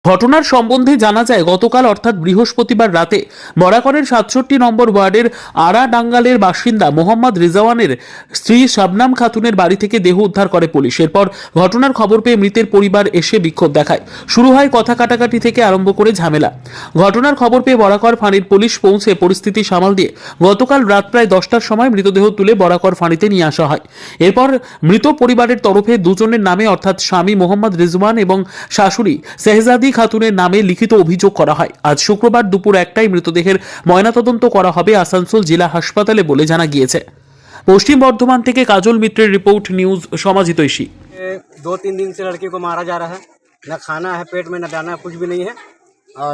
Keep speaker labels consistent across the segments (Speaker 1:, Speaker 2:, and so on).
Speaker 1: ঘটনার সম্বন্ধে জানা যায় গতকাল অর্থাৎ বৃহস্পতিবার রাতে বরাকরের ৬৭ নম্বর ওয়ার্ডের আড়াডাঙ্গালের বাসিন্দা মোহাম্মদ রিজওয়ানের স্ত্রী শবনম খাতুনের বাড়ি থেকে দেহ উদ্ধার করে পুলিশ। এরপর ঘটনার খবর পেয়ে মৃতের পরিবার এসে বিক্ষোভ দেখায়। শুরু হয় কথা কাটাকাটি থেকে আরম্ভ করে ঝামেলা। ঘটনার খবর পেয়ে বরাকর ফাঁড়ির পুলিশ পৌঁছে পরিস্থিতি সামাল দিয়ে গতকাল রাত প্রায় 10টার সময় মৃতদেহ তুলে বরাকর ফাঁড়িতে নিয়ে আসা হয়। এরপর মৃত পরিবারের তরফে দুজনের নামে অর্থাৎ স্বামী মোহাম্মদ রিজওয়ান এবং শাশুড়ি শেহজাদি খাতুনের নামে লিখিত অভিযোগ করা হয়। আজ শুক্রবার দুপুর 1টায় মৃতদেহের ময়নাতদন্ত করা হবে আসানসোল জেলা হাসপাতালে বলে জানা গিয়েছে। পশ্চিম বর্ধমান থেকে কাজল মিত্রের রিপোর্ট, নিউজ সমাজিতৈষী।
Speaker 2: 2-3 दिन से लड़की को मारा जा रहा है, ना खाना है पेट में, ना दाना, कुछ भी नहीं है। और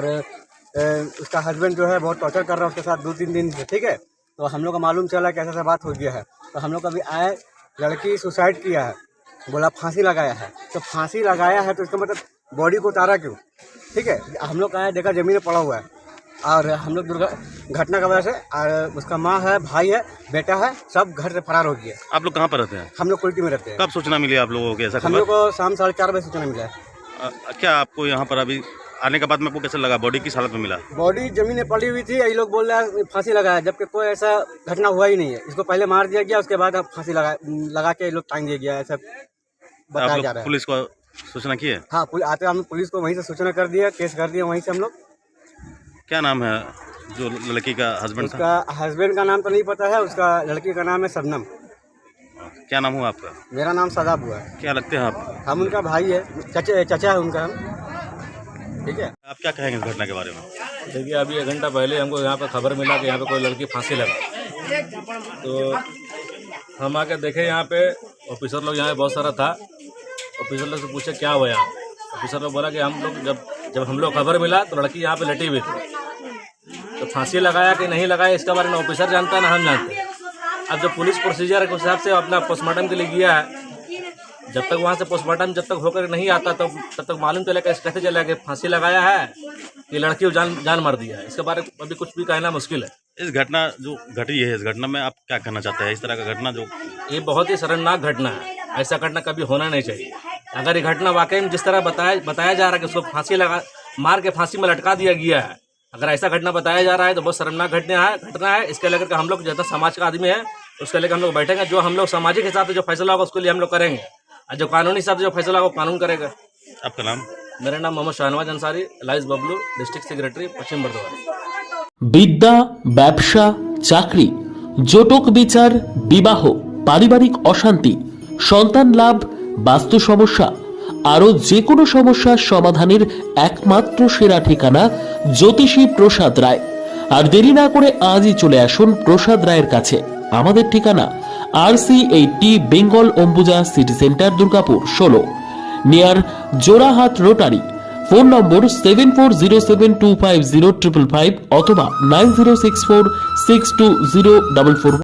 Speaker 2: उसका हस्बैंड जो है बहुत टॉर्चर कर रहा है उसके साथ 2-3 दिन से, ठीक है। तो हम लोग को मालूम चला कि ऐसा बात हो गया है, तो हम लोग अभी आए, लड़की सुसाइड किया है, बोला फांसी लगाया है। तो फांसी लगाया है तो इसका मतलब बॉडी को उतारा क्यों, ठीक है। हम लोग आए, देखा ज़मीन में पड़ा हुआ है, और हम लोग घटना की वजह से, और उसका माँ है, भाई है, बेटा है, सब घर से फरार हो गया।
Speaker 3: आप लोग कहाँ पर रहते हैं?
Speaker 2: हम लोग कुल्टी में रहते हैं।
Speaker 3: कब सूचना मिली आप लोगों को ऐसा?
Speaker 2: हम लोग को शाम 4:30 बजे सूचना मिला है।
Speaker 3: क्या आपको यहाँ पर अभी आने के बाद में आपको कैसे लगा? बॉडी किस हालत में मिला?
Speaker 2: बॉडी जमीन में पड़ी हुई थी, ये लोग बोल रहे हैं फांसी लगाया, जबकि कोई ऐसा घटना हुआ ही नहीं है। इसको पहले मार दिया गया, उसके बाद अब फांसी लगा के ये लोग टांग दिया गया, ऐसा बताया जा रहा है।
Speaker 3: पुलिस को सूचना की है?
Speaker 2: हाँ, आते हम पुलिस को वहीं से सूचना कर दिया, केस कर दिया वहीं से हम लोग।
Speaker 3: क्या नाम है जो लड़की का हस्बैंड था?
Speaker 2: उसका हस्बैंड का नाम तो नहीं पता है, उसका लड़की का नाम है शबनम।
Speaker 3: क्या नाम हुआ आपका?
Speaker 2: मेरा नाम सदाब हुआ है।
Speaker 3: क्या लगते हैं आप?
Speaker 2: हम उनका भाई है, चचा है उनका हम, ठीक है।
Speaker 3: आप क्या कहेंगे इस घटना के बारे में?
Speaker 4: देखिए, अभी 1 घंटा पहले हमको यहाँ पर खबर मिला कि यहाँ पे कोई लड़की फांसी लगा, तो हम आके देखे यहाँ पे। ऑफिसर लोग यहाँ पे बहुत सारा था। ऑफिसर लोग से पूछे क्या हुआ यहाँ। ऑफिसर लोग बोला कि हम लोग जब हम लोग खबर मिला तो लड़की यहाँ पे लेटी हुई थी, तो फांसी लगाया कि नहीं लगाया इसके बारे में ऑफिसर जानता है ना हम जानते हैं। अब जब पुलिस प्रोसीजर के हिसाब से अपना पोस्टमार्टम के लिए गया है, जब तक वहाँ से पोस्टमार्टम जब तक होकर नहीं आता तब तक मालूम चलेगा, कैसे चलेगा कि फांसी लगाया है कि लड़की को जान मार दिया है। इसके बारे में अभी कुछ भी कहना मुश्किल है।
Speaker 3: इस घटना जो घटी है, इस घटना में आप क्या कहना चाहते हैं? इस तरह का घटना जो
Speaker 4: ये बहुत ही शर्मनाक घटना है, ऐसा घटना कभी होना नहीं चाहिए। अगर ये घटना वाकई में जिस तरह बताया जा रहा है कि उसको फांसी मार के फांसी में लटका दिया गया है, अगर ऐसा घटना बताया जा रहा है तो बहुत शर्मनाक घटना है। इसके लेकर हम लोग जितना समाज का आदमी है उसके लेकर हम लोग बैठेंगे। जो हम लोग सामाजिक हिसाब से जो फैसला होगा उसके लिए हम लोग करेंगे, और जो कानूनी हिसाब से जो फैसला होगा कानून करेगा।
Speaker 3: आपका नाम?
Speaker 4: मेरा नाम मोहम्मद शाहनवाज अंसारी, लाइस बबलू, डिस्ट्रिक्ट सेक्रेटरी, पश्चिम बर्धमान।
Speaker 1: বিদ্যা, ব্যবসা, চাকরি, জটক বিচার, বিবাহ, পারিবারিক অশান্তি, সন্তান লাভ, বাস্তু সমস্যা, আরও যে কোনো সমস্যার সমাধানের একমাত্র সেরা ঠিকানা জ্যোতিষী প্রসাদ রায়। আর দেরি না করে আজই চলে আসুন প্রসাদ রায়ের কাছে। আমাদের ঠিকানা RC80 Bengal Ambuja city centre, Durgapur 16, near Jorahat rotary. Phone number 7407250555 অথবা 9064620444।